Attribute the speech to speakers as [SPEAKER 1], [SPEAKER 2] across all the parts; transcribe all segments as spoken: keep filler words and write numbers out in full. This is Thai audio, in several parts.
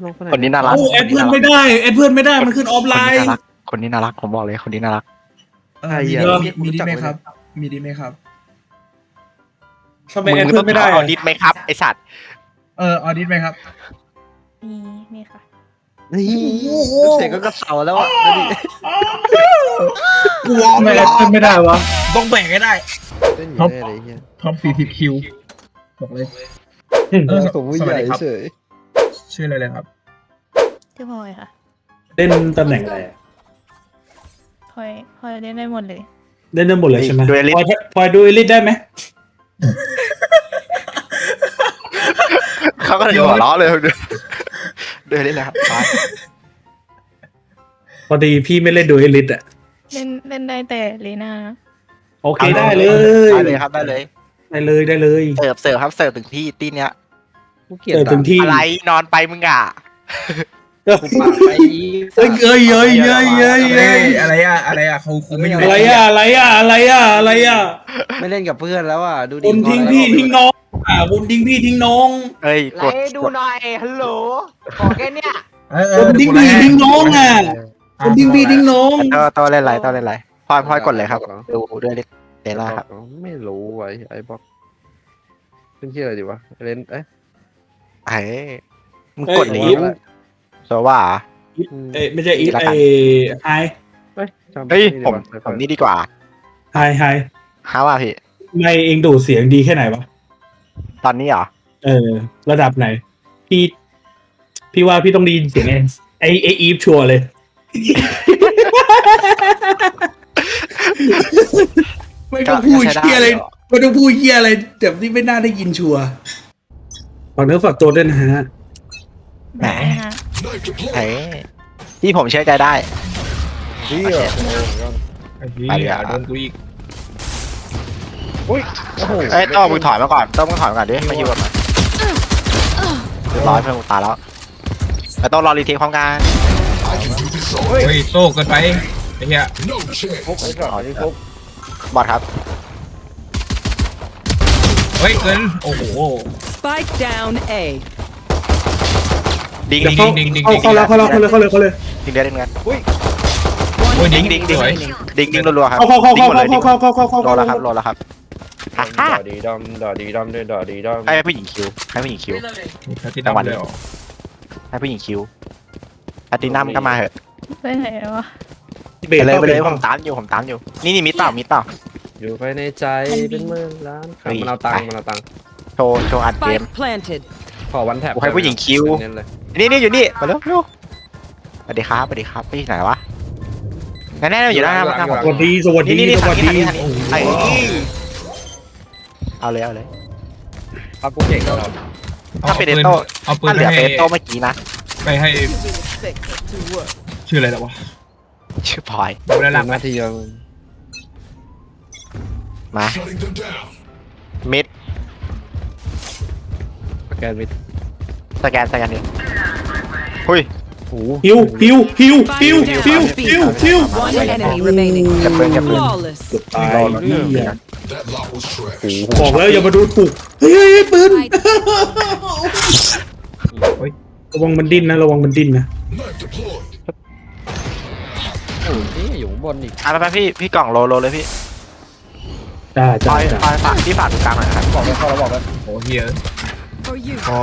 [SPEAKER 1] น้องคนไหน
[SPEAKER 2] คนนี้น่ารัก
[SPEAKER 3] โอ้แอดเพื่อนไม่ได้แอดเพื่อนไม่ได้มันขึ้นออฟไลน์
[SPEAKER 2] คนนี้น่ารักผมบอกเลยคนนี้น่ารัก
[SPEAKER 4] เออมีดีมีดีไหมครับ มีดีไหมครับ
[SPEAKER 3] ทำไมแอดเพื่อนไม่ได้
[SPEAKER 2] ออดิตไหมครับไอสัตว์
[SPEAKER 4] เออออดิตไหมครับ
[SPEAKER 5] มีมีค่ะ
[SPEAKER 1] นี่เสียงก็กระเสาแล้วอ่ะดูดิ
[SPEAKER 4] กูวอ
[SPEAKER 3] ทำไมแอดเพื่อนไม่ได้วะ
[SPEAKER 4] ต้องแบ่งให้ได้
[SPEAKER 1] เต้นอยู่ได้เลยเฮีย
[SPEAKER 4] ท็อปสี่สิบคิวบอกเลย เออ
[SPEAKER 1] ผมผู้ใหญ่เฉย
[SPEAKER 4] ชื่ออะไรเลยครับ
[SPEAKER 5] ชื่อพลอยค่ะ
[SPEAKER 3] เล่นตำแหน่งอะไรอะ
[SPEAKER 5] พลอยพลอยเล่นได้หมดเลย
[SPEAKER 3] เล่นได้หมดเลยใช่ไหม
[SPEAKER 2] ดูเอลิ
[SPEAKER 3] พลอยพลอยดูเอลิทได้ไหม
[SPEAKER 2] เขาก็เลยหัวเราะเลยดูเล่นนะครับ
[SPEAKER 3] พอดีพี่ไม่เล่นดูเอลิทอ่ะ
[SPEAKER 5] เล่นเล่นได้แต่เลน่า
[SPEAKER 3] โอเคได้เลย
[SPEAKER 2] ได้เลยครับได้เลย
[SPEAKER 3] ได้เลยได้เลย
[SPEAKER 2] เสิร์ฟเสิร์ฟครับเสิร์ฟถึงที่ตีเนี้ย
[SPEAKER 1] กูเกลียด
[SPEAKER 3] เออถึงที่
[SPEAKER 2] อะไรนอนไปมึงอ่ะ
[SPEAKER 1] กูปากไป
[SPEAKER 3] เอ้ยเอ้ยเอ้ยเอ้ยเอ้ย
[SPEAKER 4] เอ้
[SPEAKER 3] เอ้
[SPEAKER 4] ย
[SPEAKER 3] ย
[SPEAKER 4] อะไรอะอะไรอะเขาคุมไม่อยู่
[SPEAKER 3] อะไรอะอะไรอะอะไรอะอะไรอะ
[SPEAKER 1] ไม่เล่นกับเพื่อนแล้วอ่ะดูดิ
[SPEAKER 3] คุณทิ้งพี่ทิ้งน้องอ่ะคุณทิ้งพี่ทิ้งน้อง
[SPEAKER 2] เอ้ยกด
[SPEAKER 6] ดูหน่อยฮัลโหลขอแค่เนี้ย
[SPEAKER 4] เออเอ
[SPEAKER 3] คุ
[SPEAKER 4] อ
[SPEAKER 3] ณทิ้งพี่ทิ้งน้องอ่ะคุณทิ้งพี่ทิ้งน้อง
[SPEAKER 2] ตัวตัวเล่นไรตัวเล่นไรพลอยพลอยกดเลยครับดูด้วยเดล่าครับ
[SPEAKER 1] ไม่รู้ไว้ไอ้บ็อกเป็นชื่ออะไรดีวะเล่นเอ๊ะ
[SPEAKER 2] ไอ้มึงกดลีฟโซว่า
[SPEAKER 3] เอ้ยไม่ใช่อีทไอไฮ
[SPEAKER 1] เฮ้ยจำ
[SPEAKER 2] เฮ้ย
[SPEAKER 1] ไ
[SPEAKER 2] ผมผมนี่ดีกว่า
[SPEAKER 3] ไฮไฮ
[SPEAKER 2] ฮาว่าพี่
[SPEAKER 3] ไม่เองดูดเสียงดีแค่ไหนวะ
[SPEAKER 2] ตอนนี้เหรอ
[SPEAKER 3] เออ ระดับไหน พี่ พี่ว่าพี่ต้องไดีเสียงไอไอไออีฟชัวร์เลย ไม่ต้องพูดเฮียอะไรไม่ต้องพูดเฮียอะไรแต่ที่ไม่น่าได้ยินชัวร์ฝากเนื้อฝากตัวด้วยนะฮะ
[SPEAKER 2] แหม
[SPEAKER 5] ได้ค่ะ
[SPEAKER 2] ไอ้ที่ผมเชื่อใจได้
[SPEAKER 1] เฮีย
[SPEAKER 4] ไอ้เหี้ยโดนกูอีก
[SPEAKER 1] โอ้โห
[SPEAKER 2] เอ้ยต้องมึงถอยมาก่อนต้องมึงถอยมาก่อนดิมาอยู่ก่อนหน่อยเรียบร้อยเพื่อนกูตายแล้วแต่ต้องรอรีเทคความการ
[SPEAKER 4] เฮ้ยโต้เกินไปไอ้เหี้ย
[SPEAKER 1] ฟุกไอ้สัตว์นี่ฟุก
[SPEAKER 2] บอดครับ
[SPEAKER 4] เฮ้ยเกินโอ้โห
[SPEAKER 7] Spike down A.
[SPEAKER 2] ดิง
[SPEAKER 4] ดิ
[SPEAKER 2] ดิ
[SPEAKER 4] ง
[SPEAKER 2] ง
[SPEAKER 4] ดิ
[SPEAKER 2] ดิ
[SPEAKER 4] ง
[SPEAKER 2] ง
[SPEAKER 4] ดิง
[SPEAKER 3] เข้าเข้าแล้วเข้าแล้วเข้าเลยเข้าเลยเข้าเลย
[SPEAKER 2] ดิงเดือดดิงเดือด
[SPEAKER 4] โอ้ย
[SPEAKER 2] ดิ
[SPEAKER 4] ดิ
[SPEAKER 2] ง
[SPEAKER 4] ง
[SPEAKER 2] ดิ
[SPEAKER 4] ดิ
[SPEAKER 2] ง
[SPEAKER 4] ง
[SPEAKER 2] ดิง
[SPEAKER 4] สวย
[SPEAKER 2] ดิงดิงรัวๆครับ
[SPEAKER 3] เข้าเข้าเข้า
[SPEAKER 2] ดิง
[SPEAKER 3] เข้า
[SPEAKER 2] หมดเลยดิ
[SPEAKER 3] เข้าง เข้าเข้าเข้าเข้า
[SPEAKER 2] โล
[SPEAKER 3] เข้า
[SPEAKER 2] แล้วครับโลแล้วครับฮ่าฮ่า
[SPEAKER 1] ดอดีดำดอดีดำด้วยดอดีดำ
[SPEAKER 2] ให้ผู้หญิงคิวให้ผู้หญิงคิว
[SPEAKER 4] มีแพทที่ดำเลยเหรอ
[SPEAKER 2] ให้ผู้หญิงคิวอาตินัมก็มาเหอะ
[SPEAKER 5] ไปไหนแล้ววะ
[SPEAKER 3] เบ
[SPEAKER 2] ไป
[SPEAKER 3] ร
[SPEAKER 2] เลยไปเลย
[SPEAKER 3] ข้า
[SPEAKER 2] ผมตามอยู่ผมตามอยู่นี่นี่มิดเปล่ามิดเปล่า
[SPEAKER 1] อยู่ภายในใจเป็นหมื่นล้าน
[SPEAKER 2] เฮ้ย
[SPEAKER 1] มันเอาตังค์มันเอาตังค์
[SPEAKER 2] โชว์โชว์อัดเกม
[SPEAKER 7] Spike planted.
[SPEAKER 1] ขอวันแท็บ
[SPEAKER 2] กูให้ผู้หญิงคิว
[SPEAKER 1] เน้นเลย
[SPEAKER 2] นี่นี่อยู่นี่มาเร็วเร็วสวัสดีครับสวัสดีครับพี่ไหนวะแน่แน่ๆอยู่หน้าหน้าผม
[SPEAKER 3] สวัสดีสวัสดี
[SPEAKER 2] นี่นี่
[SPEAKER 3] สวัส
[SPEAKER 2] ทาง
[SPEAKER 3] ดี
[SPEAKER 2] นี้ทางนี้ทางนี้ไอ้เอาเลยเอาเลย
[SPEAKER 1] ครับกูเก่งแล้วเหรอ
[SPEAKER 2] ถ้าเป็นเอโต้
[SPEAKER 4] เอาปืน
[SPEAKER 2] ถ้าเห
[SPEAKER 4] ไป
[SPEAKER 2] ลือ
[SPEAKER 4] ให้
[SPEAKER 2] เป็นเอโต้เมื่อกี้นะ
[SPEAKER 4] ไปให้ชื่ออะไรแล้ววะ
[SPEAKER 2] ชื่อพลอย
[SPEAKER 4] ดูแลหลัง
[SPEAKER 1] หน้าที่ยัง
[SPEAKER 2] มามิด
[SPEAKER 1] สแกนมิด
[SPEAKER 2] สแกนสแกนนี่หุ้ย
[SPEAKER 1] โอ้
[SPEAKER 3] ฮิวฮิวฮิวฮิวฮิวฮิวฮิว
[SPEAKER 7] One enemy remaining.
[SPEAKER 2] เก็บปืนเก็บปืน
[SPEAKER 7] Flawless.
[SPEAKER 3] ตาย
[SPEAKER 2] รอรอ
[SPEAKER 3] เหี้ย
[SPEAKER 2] โอ้โห
[SPEAKER 3] บอกแล้วอย่ามาดูถูกเฮ้ยเฮ้ยเฮ้ยปืนระวังมันดิ้นนะระวังมันดิ้นนะ
[SPEAKER 1] โหนี่อยู่ข้างบนอีก
[SPEAKER 2] อ่ะไปไปพี่พี่กล่องโลโลเลยพี่
[SPEAKER 3] จ้า
[SPEAKER 2] พล
[SPEAKER 3] จ้า
[SPEAKER 2] อย
[SPEAKER 3] จ้า
[SPEAKER 2] พลอยฝากพี่ฝากตรงกลางหน่อยนะครับ
[SPEAKER 1] บอกเลยเข้าแล้วบอกเลย
[SPEAKER 4] โอ้เฮีย
[SPEAKER 7] For you.
[SPEAKER 2] โอ้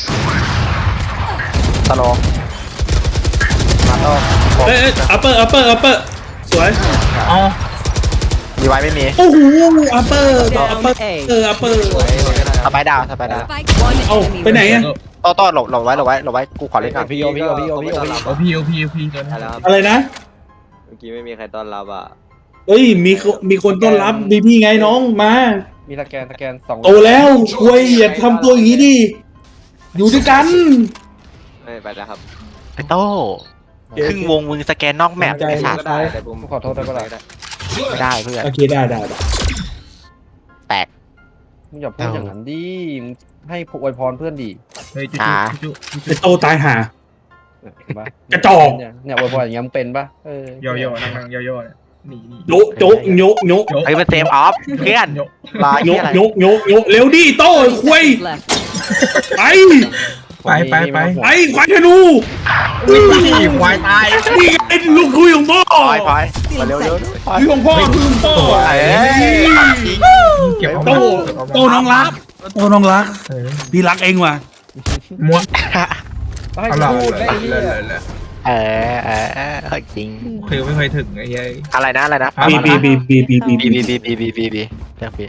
[SPEAKER 2] สโลว์มาโต้
[SPEAKER 3] เอ้ยอัปเปอร์อัปเปอร์อัปเปอร์สวย
[SPEAKER 4] อ๋อ
[SPEAKER 2] ดีไว้ไม่มี
[SPEAKER 3] โอ้โหอัปเปอร์อัปเปอ
[SPEAKER 7] Down
[SPEAKER 3] ร์
[SPEAKER 7] A.
[SPEAKER 3] เอออัปเปอร์
[SPEAKER 2] สไปดาวสไปดาว
[SPEAKER 7] One
[SPEAKER 3] เอ้า
[SPEAKER 7] enemy
[SPEAKER 3] ไปไหนอะ
[SPEAKER 7] remaining.
[SPEAKER 2] โต้โต้หลบหลบไว้หลบไว้หลบไว้กูขอเล่นก่อน
[SPEAKER 1] พี่โอพี่โอพี่โอพี่โอพี่
[SPEAKER 4] โอ้พี่โอ้พี่โอ้พี่เกิน
[SPEAKER 6] ใช่แล้วครับ
[SPEAKER 3] อะไรนะ
[SPEAKER 6] เมื่อกี้ไม่มีใครต้อนรับอ่ะ
[SPEAKER 3] เอ้ยมีคนมีคนต้อนรับมีพี่ไงน้องมา
[SPEAKER 1] มีสแกนสแกนสอง
[SPEAKER 3] โตแล้วคุยอย่าทำตัวอย่างนี้ดิอยู่ด้วยกัน
[SPEAKER 6] ไม่ไปแล้วครับ
[SPEAKER 2] ไอ้โต้ครึ่งวงมึงสแกนนอกแมปไอ้สัต
[SPEAKER 6] ก็
[SPEAKER 2] ว์
[SPEAKER 6] ได้แต่ผม
[SPEAKER 1] ขอโทษได้ปะล่ะ
[SPEAKER 2] ไม่ได้เพื่อน
[SPEAKER 3] โอเคได้ได้ได้
[SPEAKER 2] แตก
[SPEAKER 1] มึงอย่าพูดอย่างนั้นดิมึงให้อวยพรเพื่อนดิ
[SPEAKER 4] เฮ้ยจุ๊
[SPEAKER 2] อ่า
[SPEAKER 4] จุ๊จุ๊
[SPEAKER 3] ไอโตตายหา
[SPEAKER 1] เห็นปะ
[SPEAKER 3] กระจอก
[SPEAKER 1] เนี่ยเนี่ยอวยพรอย่างเงี้ยมันเป็นปะเออย่
[SPEAKER 4] อย่อๆนั่งๆย่อๆเนี่ยนี่นี่
[SPEAKER 3] โยกโยกโยกโยก
[SPEAKER 4] โยก
[SPEAKER 2] เฮ้ยมันเซฟออฟเพื่อน
[SPEAKER 4] โยก
[SPEAKER 2] รอ
[SPEAKER 3] โย
[SPEAKER 2] เหีย
[SPEAKER 3] ก
[SPEAKER 2] อะไร
[SPEAKER 3] โยกโยกโยกเร็วดิโต้คุย
[SPEAKER 7] Left.
[SPEAKER 3] ไป
[SPEAKER 4] ไปไปไป
[SPEAKER 3] ไอ้ควายธนู
[SPEAKER 4] นี่ควายตาย
[SPEAKER 3] นี่ไอ้ลูกคุยของพ่อ
[SPEAKER 2] พอยพอยมาเร็วเร็วพอย
[SPEAKER 3] คุยของพ่อคุยของพ่อ
[SPEAKER 2] เอ้ยจริง
[SPEAKER 4] เก็บเอา
[SPEAKER 3] โตโตน้องรักโตน้องรัก
[SPEAKER 4] เออ
[SPEAKER 3] พี่รักเองว่ะ
[SPEAKER 4] ม้วน
[SPEAKER 1] ต้องให้
[SPEAKER 4] เอาหล่อ
[SPEAKER 1] พูด
[SPEAKER 4] เล
[SPEAKER 1] ได้
[SPEAKER 4] ย
[SPEAKER 1] ไอ้
[SPEAKER 4] เล
[SPEAKER 1] เหี้
[SPEAKER 4] ย
[SPEAKER 1] ย
[SPEAKER 4] เลย
[SPEAKER 2] เออเออเออจริง
[SPEAKER 4] คือไม่เคยถึงไอ้ยัย
[SPEAKER 2] อะไรนะอะไรนะ
[SPEAKER 3] บีบีบีบีบีบี
[SPEAKER 2] บีบีบีบีบีบีบีเรียกบี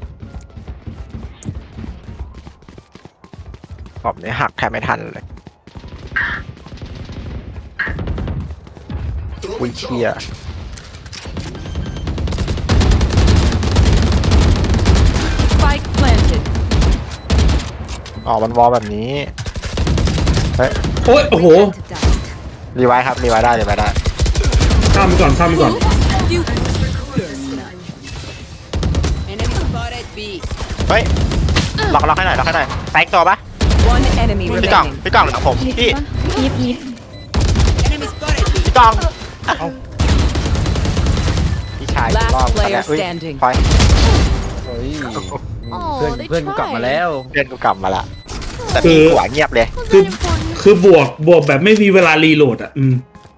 [SPEAKER 2] ผมเนี่ยหักแทบไม่ทันเลยอุ้ยเชี่ย
[SPEAKER 7] Spike planted.
[SPEAKER 2] อ๋อมันวอลแบบนี้เฮ้ย
[SPEAKER 3] โอ้ยโอ้โห
[SPEAKER 2] รีไวท์ครับรีไวท์ได้รีไวท์ได้
[SPEAKER 3] ข้ามไปก่อนข้ามไปก่อน
[SPEAKER 7] Enemy spotted B.
[SPEAKER 2] เฮ้ยล็อกล็อกให้หน่อยล็อกให้หน่อยแตกตัวปะ
[SPEAKER 7] One enemy
[SPEAKER 2] พี่กล่อง
[SPEAKER 7] remaining.
[SPEAKER 2] พี่กล่องหลังผม
[SPEAKER 5] ยิบ
[SPEAKER 2] พี่
[SPEAKER 5] ปะยิบยิบ
[SPEAKER 7] Enemy spotted B.
[SPEAKER 2] พี่กล่องพี่ชาย
[SPEAKER 7] Last
[SPEAKER 2] รอบ
[SPEAKER 7] player
[SPEAKER 2] อุ้ย
[SPEAKER 7] standing
[SPEAKER 2] พอย
[SPEAKER 1] เฮ้ยเพื่อนเพื่อนกูกลับมาแล้ว
[SPEAKER 2] เพื่อนกูกลับมาละแต่พี่หัวเงียบเลย
[SPEAKER 3] คือคือบวกบวกแบบไม่มีเวลารีโหลดอ่ะอืม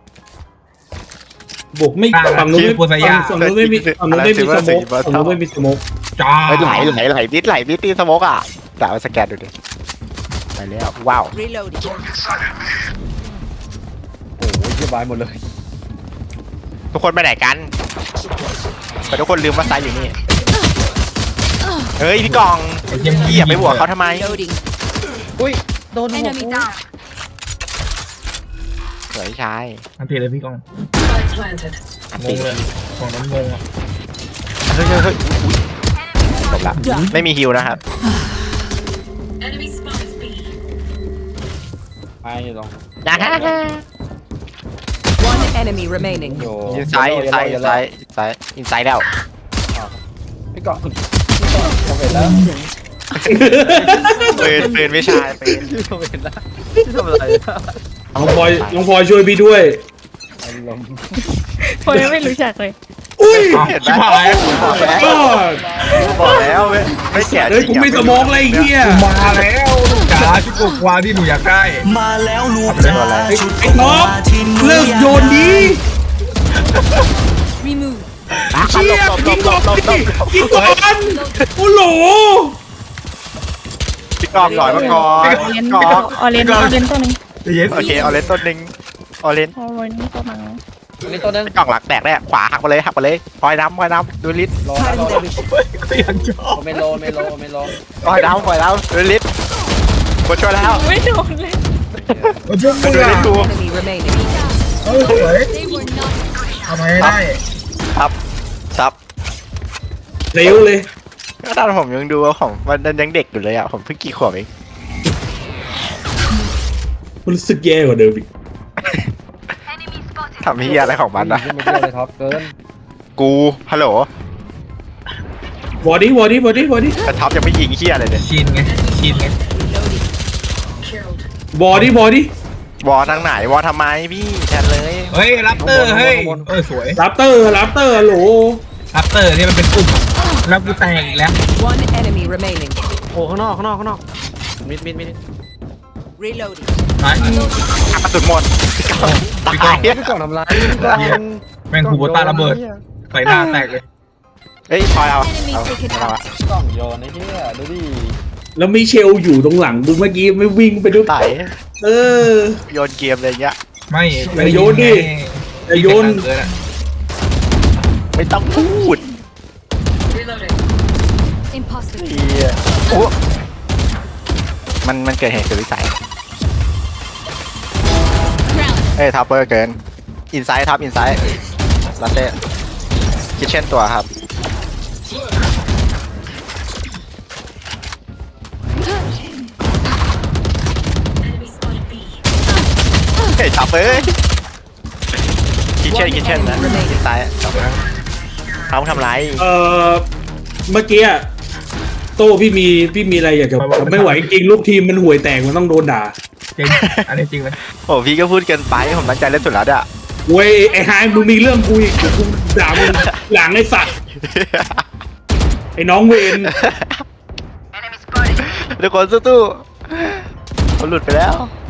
[SPEAKER 3] บวกไม่ฝั่งนู้นไม่ฝั่งนู้นไม่มีฝั่งนู้นไม่มีสโมกฝั่งนู้นไม่มีสโมก
[SPEAKER 4] จ้า
[SPEAKER 2] เฮ้ยไหลไหลไหลบิดไหลบิดตีสโมกอ่ะแต่เอาสแกนดูดิไปแล้วว้าว
[SPEAKER 7] Reloading.
[SPEAKER 1] โอ้ยเหี้ยบายหมดเลย
[SPEAKER 2] ทุกคนไปไหนกันแต่ทุกคนลืมว่าไซด์อยู่นี่เฮ้ยพี่กอง
[SPEAKER 4] ไอ้เยี่ยม
[SPEAKER 2] พี่อย่าไปบวกเขาทำไม
[SPEAKER 7] Loading.
[SPEAKER 1] อุ้ยโดนหัว
[SPEAKER 7] Enemy
[SPEAKER 1] กู
[SPEAKER 7] down.
[SPEAKER 2] สวยชาย
[SPEAKER 4] อันตีเลยพี่กอง
[SPEAKER 2] อัน
[SPEAKER 4] ง
[SPEAKER 2] ติ
[SPEAKER 4] งเลยของนั้นงงอ่ะ
[SPEAKER 2] เฮ้ยเฮ้ยเฮ้ยอุ๊ยจบละไม่มีฮิวนะครับ
[SPEAKER 1] ไปลอง
[SPEAKER 2] นะฮะ
[SPEAKER 7] One enemy remaining.
[SPEAKER 1] โย
[SPEAKER 2] อินไซด์อินไซด์อินไซด์อินไซด์อินไซด์แล้ว
[SPEAKER 1] พี่กล่องพี่กล่องผมเห็นแล้ว
[SPEAKER 2] ปืนปืนไม่ชายปืน
[SPEAKER 1] พี่ผมเห็นแล้วพี่ทำอะไรอะ
[SPEAKER 3] น้องพลอยน้องพลอยช่วยพี่ด้วย
[SPEAKER 1] อารมณ์
[SPEAKER 5] พอยไม่รู้จักเลย
[SPEAKER 3] อุ้ย
[SPEAKER 2] เห็นไหม
[SPEAKER 4] ชิบหาย
[SPEAKER 2] บอกแล้ว
[SPEAKER 3] ก็
[SPEAKER 2] บอกแล้วไม่ไม่แก่
[SPEAKER 3] เฮ้ยกูไม่สมองเลยไอ้เหี้ย
[SPEAKER 4] มาแล้วลูกจ๋าชุดกวาที่หนูอยากได้
[SPEAKER 8] มาแล้วลูก
[SPEAKER 2] ทำอะไร
[SPEAKER 3] ไอ้ท็อปเลิกโยนดี
[SPEAKER 7] Remove.
[SPEAKER 3] เชี่ยยิงก่อนดิยิงก่อนโอ้โห
[SPEAKER 2] พี่กองหน่อยมาก่อน
[SPEAKER 5] ออเรน
[SPEAKER 2] กอง
[SPEAKER 5] ออเรนออเรนตัวหนึง
[SPEAKER 4] เย็น
[SPEAKER 2] โอเคเอาเลนต้นหนึ่งเอาเลน
[SPEAKER 5] ออเรนตัวมัง
[SPEAKER 1] อันนี้ตัวนึง
[SPEAKER 2] พี่กองหลักแตกได้ขวาหักไปเลยหักไปเลยพลอยน้ำพลอยน้ำดูลิส
[SPEAKER 1] รอนะรอนะ
[SPEAKER 4] ก็ยังชอบ
[SPEAKER 1] ไม่โลไม่โลไม่โล
[SPEAKER 2] พลอยน้ำพลอยน้ำดูลิสกดช่วยแล้ว
[SPEAKER 5] ไม่โดนเลย
[SPEAKER 4] มาช่วยกู
[SPEAKER 2] ดู
[SPEAKER 4] อ่ะ
[SPEAKER 2] ลิสดู
[SPEAKER 7] Enemy remaining.
[SPEAKER 4] เฮ้ยสวยทำไมได้
[SPEAKER 2] ซับซับ
[SPEAKER 3] เร็วเลย
[SPEAKER 2] ก็ตอนผมยังดูว่าผมมันยังเด็กอยู่เลยอ่ะผมเพิ่งกี่ขวบเอง
[SPEAKER 3] มันรู้สึกแย่กว่าเดิมอีก
[SPEAKER 2] ทำเฮียอะไรของมัน
[SPEAKER 1] นะ
[SPEAKER 2] อ่ะ
[SPEAKER 1] ไม่เชื่อเลยท็อปเกิน
[SPEAKER 2] กูฮัลโหล
[SPEAKER 3] บอดี้บอดี้บอดี้บอดี้
[SPEAKER 2] แต่ท็อปยังไม่ยิงเฮียอะไรเลย
[SPEAKER 4] ชินไงชินไง
[SPEAKER 3] บอดี้บอดี้
[SPEAKER 2] วอทางไหนวอทำไมพี่แทนเลย
[SPEAKER 4] เฮ้ยรับเตอร์เฮ้ยเออสวย
[SPEAKER 3] ลัปเตอร์ลัปเตอร์ฮัลโหล
[SPEAKER 4] รับเตอร์เนี่ยมันเป็นกลุ่มแล้วกูแตกอีกแล้ว
[SPEAKER 7] One enemy remaining.
[SPEAKER 1] โอ้ข้างนอกข้างนอกข้างนอกมิดมิดมิด
[SPEAKER 7] Reloading.
[SPEAKER 4] ไป
[SPEAKER 2] อ่ะกระสุนหมดพี่กองตาย
[SPEAKER 1] พี่กล่องทำร้ายพี่กล่อง
[SPEAKER 4] แม่งคูโบต้าระเบิดใส่หน้าแตกเลย
[SPEAKER 2] เฮ้ยพลอยเอาเอาเอาอะ
[SPEAKER 1] กล่องโยนไอ้เหี้ยดูดิ
[SPEAKER 3] แล้วมีเชลอยู่ตรงหลังดูเมื่อกี้ไม่วิ่งไปดู
[SPEAKER 2] ไต่
[SPEAKER 3] เออ
[SPEAKER 2] โยนเกมอะไรเงี้ย
[SPEAKER 4] ไม่
[SPEAKER 3] อย่าโยนดิ อย่าโยน
[SPEAKER 4] เกินอะ
[SPEAKER 2] ไม่ต้องพูด
[SPEAKER 7] Impossible.
[SPEAKER 2] เฮียโอ้มันมันเกิดเหตุสุดวิสัยเอ้ยทัพเปอร์เกินอินไซด์ทับอินไซด์ลาเต้คิดเช่นตัวครับเฮ้ยทับเอ้ยคิดเช่นคิดเช่นนะอินไซด์เขาทำไร
[SPEAKER 3] เออเมื่อกี้อะโต้พี่มีพี่มีอะไรอยากจะไม่ไหวจริงลูกทีมมันห่วยแตกมันต้องโดนด่า
[SPEAKER 4] จริงอันนี้จริงเลย
[SPEAKER 2] โอ้พี่ก็พูดเกินไปผมตั้งใจเล่นสุดแล้วอะ
[SPEAKER 3] เว้ยไอ้ไฮมึงมีเรื่องกูอีกเดี๋ยวกูด่ามึงหลังไอ้สัตว์ไอ้น้องเวน
[SPEAKER 2] ทุกคนสู้ๆมันหลุดไปแล้ว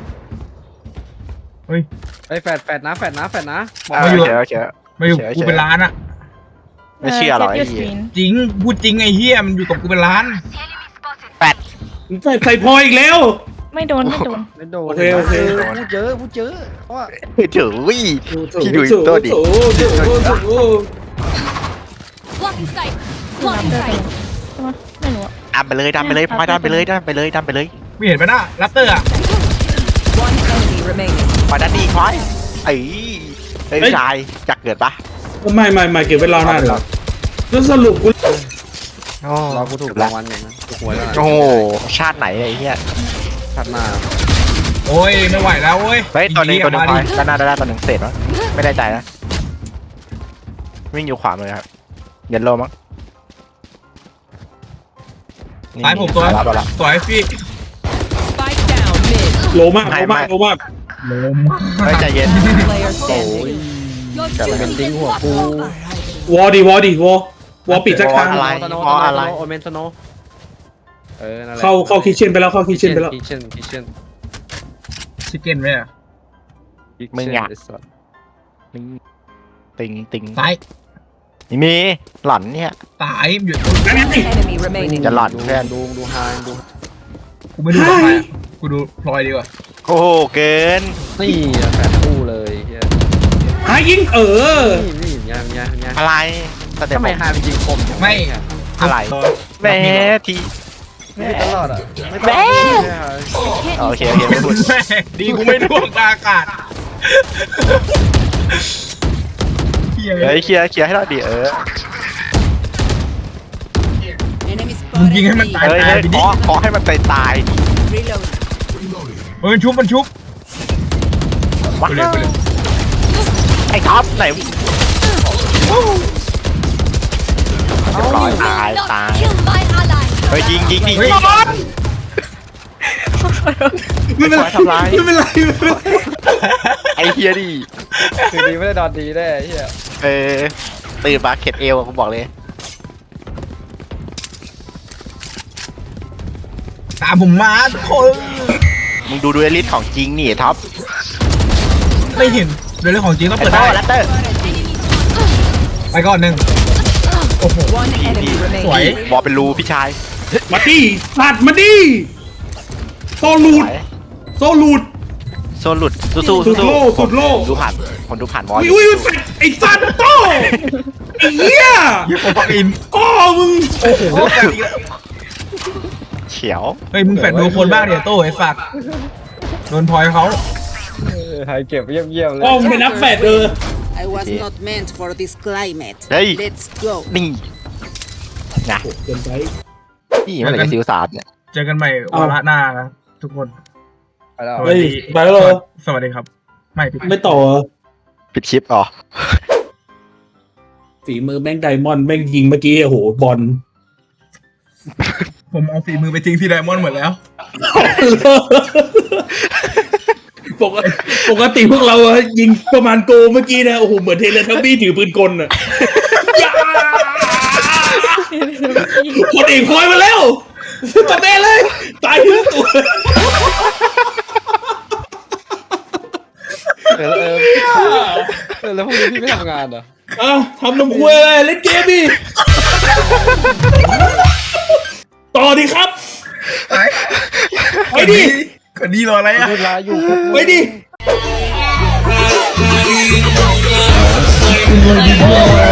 [SPEAKER 1] ไอ้แฟดแฟดนะแฟดนะแฟดนะ
[SPEAKER 2] โอเคโอเค
[SPEAKER 4] มาอยู่กูเป็นล้านอะ
[SPEAKER 2] ไม่เชื่อหรอกไอ้
[SPEAKER 5] เออ
[SPEAKER 2] เหี้ย
[SPEAKER 5] เจ็บยูสกรีน
[SPEAKER 4] จริงพูดจริงไอ้เฮียมันอยู่กับกูเป็นล้าน
[SPEAKER 3] ใส่ใส่พออีกแล้ว
[SPEAKER 5] ไม่โดนไม่โดน
[SPEAKER 1] ไม่โดน
[SPEAKER 3] โอเคโอเค
[SPEAKER 1] พูดเยอะพูดเยอะเพราะว่า
[SPEAKER 2] เจ๋อวิพี่ดูอีกตัวดิ
[SPEAKER 3] โอ้โหโอ้โหโอ้โห
[SPEAKER 7] Blocking sight.
[SPEAKER 5] รับ
[SPEAKER 7] Blocking
[SPEAKER 5] ได้
[SPEAKER 7] sight.
[SPEAKER 5] ใช่ไหมไม่รู้อะ
[SPEAKER 2] ดันไปเลยดันไปเลยพลอยดันไปเลยดันไปเลยดันไปเลย
[SPEAKER 4] ไม่เห็นปะน่ะลัตเตอร์อะ
[SPEAKER 7] One enemy remaining.
[SPEAKER 2] พลอยดันดีพลอยไอ้ไอ้ยชายอยากเกิดปะ
[SPEAKER 3] ไม่ไม่ไม่เก็บไว้รอหน้าเดี๋ยวแล้วสรุปกู
[SPEAKER 2] โอ้
[SPEAKER 1] เรากูถูกรางวัลอย่างนั้นถูกหวยแล้วนะ
[SPEAKER 2] โอ้ชาติไหนไอ้เหี้ย
[SPEAKER 1] ถัดมา
[SPEAKER 4] โอ้ยไม่ไหวแล้วเว้ย
[SPEAKER 2] เฮ้ยตัวหนึงตัวหนึงพล
[SPEAKER 4] มา
[SPEAKER 2] อย
[SPEAKER 4] ดิ
[SPEAKER 2] ด้านหน้าด้านหน้าตัวหนึ่งเศษวะไม่ได้ใจนะวิ่งอยู่ขวามือครับเย็นโลมั้ง
[SPEAKER 4] ซ้ายผมตัว
[SPEAKER 2] รับแล้ว
[SPEAKER 4] สวยพี่
[SPEAKER 7] Spike down mid.
[SPEAKER 3] โลมากโลมากโลมาก
[SPEAKER 4] ลม
[SPEAKER 2] เฮ้ยใจเย็น
[SPEAKER 7] Player standing.
[SPEAKER 1] แต่มันเป็นดิ้งหัวกู
[SPEAKER 3] วอดีวอดีวอวอปิดสักครั้ง
[SPEAKER 2] อะไร
[SPEAKER 1] สโน
[SPEAKER 2] เพราะอะไร
[SPEAKER 1] โอเมนสโนเออนั่นแหละ
[SPEAKER 3] เข้าเข้าคิเชนไปแล้วเข้าคิเชนไปแล้ว
[SPEAKER 1] คิเช่นคิเช่น
[SPEAKER 4] ชิคเก้นไหมอะ
[SPEAKER 2] มึงอยาก ติงติง
[SPEAKER 4] ซ้าย
[SPEAKER 2] นี่มีหล่อนเนี่ย
[SPEAKER 4] ตายอยู่
[SPEAKER 7] Enemy remaining.
[SPEAKER 2] จะหล่อนเพื่อน
[SPEAKER 1] ดูดูไฮดู
[SPEAKER 4] กูไม่ดูหรอกไปอะกูดูพลอยดีกว่า
[SPEAKER 2] โอ้โหเกิน
[SPEAKER 1] นี่อะแฟดคู่เลยเฮีย
[SPEAKER 3] หายิงเออ
[SPEAKER 1] นี่นี่ยังยังยัง
[SPEAKER 2] อะไรสเต็ป
[SPEAKER 1] ทำไมไฮมันยิงคมจัง
[SPEAKER 4] ไม่
[SPEAKER 1] เนี่ย
[SPEAKER 2] อะไร
[SPEAKER 4] ร
[SPEAKER 2] แม่ที
[SPEAKER 1] ไม่ตลอดอ่ะไม่ตลอด
[SPEAKER 2] แม่
[SPEAKER 1] เนี่ย
[SPEAKER 2] โอเคโอเคไม่พูด
[SPEAKER 4] แม่ดีกูไม่ร่วงกลางอากาศเฮีย
[SPEAKER 2] เฮ้ยเคลียร์เคลียร์ให้เราดิเออ
[SPEAKER 7] Enemy
[SPEAKER 4] มึง
[SPEAKER 7] spotted.
[SPEAKER 4] ยิงให้มันตาย
[SPEAKER 2] เฮ้ย
[SPEAKER 4] ตาย
[SPEAKER 2] เฮ้ย
[SPEAKER 4] ไป
[SPEAKER 2] ข
[SPEAKER 4] ดิ
[SPEAKER 2] อขอให้มันตายตาย
[SPEAKER 7] Reload.
[SPEAKER 4] เฮ้ยมันชุบมันชุบ
[SPEAKER 2] ว้า
[SPEAKER 4] กูเลยกูเลย
[SPEAKER 2] ไอ้ท็อปไหนเรียบร้อยตายตาย
[SPEAKER 7] Kill my ally.
[SPEAKER 2] เฮ้ยยิงยิงดิ
[SPEAKER 4] เฮ้ย
[SPEAKER 2] ยิง
[SPEAKER 3] ไม่เป็นไร
[SPEAKER 2] ทำร้าย
[SPEAKER 3] ไม่เป็นไรไม่เป็นไร
[SPEAKER 2] ไอ้เฮียดิ
[SPEAKER 1] คือดีไม่ได้ดอนดีได้เฮีย
[SPEAKER 2] เออตื่นมาเข็ดเอวอะกูบอกเลย
[SPEAKER 4] ตามผมมาทุกคน
[SPEAKER 2] มึงดูดูเอลิสของจริงนี่ท็อป
[SPEAKER 4] ไม่เห็นเรื่องของจริงต้อง
[SPEAKER 2] ไอ้
[SPEAKER 4] เปิด
[SPEAKER 2] ท่
[SPEAKER 4] ได้
[SPEAKER 2] อแรปเตอร์
[SPEAKER 4] ไปก่อนหนึ่งโอ้โห
[SPEAKER 7] One enemy
[SPEAKER 4] สวย
[SPEAKER 7] remaining.
[SPEAKER 2] บอกเป็นรูพี่ชาย
[SPEAKER 3] มาดิสัตว์มาดิโซลูดโซลูด
[SPEAKER 2] โซนหลุดสู้สู้
[SPEAKER 3] สุดโลกสุดโลก
[SPEAKER 2] ดูผ่านคนดูผ่านมอ
[SPEAKER 3] อุ้
[SPEAKER 2] ส
[SPEAKER 3] ยอุ้ยแฟดไอ้สัตว์โตไอ้เหี้ย
[SPEAKER 4] ยิงโออิน
[SPEAKER 3] ก็มึง
[SPEAKER 4] โอ้โห
[SPEAKER 2] เขียว
[SPEAKER 4] เฮ้ยมึงแฟดดูคนบ้างเดี๋ยวโต้ไอ้ฝากโดนพลอยเขา
[SPEAKER 1] ไฮเก็บเยี่ยมๆเลย
[SPEAKER 3] ก็มึงไปนับแฟดเออ
[SPEAKER 8] I was not meant for this climate.
[SPEAKER 2] เฮ้ย
[SPEAKER 8] Let's go.
[SPEAKER 2] นี่ไง
[SPEAKER 3] เกินไป
[SPEAKER 2] นี่มันอะไรกับซิวสาดเนี่ย
[SPEAKER 4] เจอกันใหม่วาระหน้านะทุกคน
[SPEAKER 1] ไปแล้ว
[SPEAKER 3] เฮ้ยไปแล้วเหรอ
[SPEAKER 4] สวัสดีครับ ไม่ปิด
[SPEAKER 3] ไม่ต่อเหรอ
[SPEAKER 2] ปิดคลิปอ๋อ
[SPEAKER 3] ฝีมือแม่งไดมอนด์แม่งยิงเมื่อกี้โอ้โหบอล
[SPEAKER 4] ผมเอาฝีมือไปทิ้งที่ไดมอนด์หมดแล้ว
[SPEAKER 3] ปกติปกติพวกเราอะยิงประมาณโกเมื่อกี้นะโอ้โหเหมือนเทเลทับบี้ถือปืนกลอะอย่าคนเอกพลอยมาแล้วตบแม่เลย ตายทั้งตัว
[SPEAKER 1] เออเออเออแล้วพรุ่งนี้พี่ไม่ทำงานเหรอ
[SPEAKER 3] อ่ะทำนมควยอะไรเล่นเกมดิต่อดิครับ ไปดิ
[SPEAKER 4] คนดีรออะไรอ่ะ
[SPEAKER 1] เวลาอยู่
[SPEAKER 3] ไปดิ
[SPEAKER 4] เ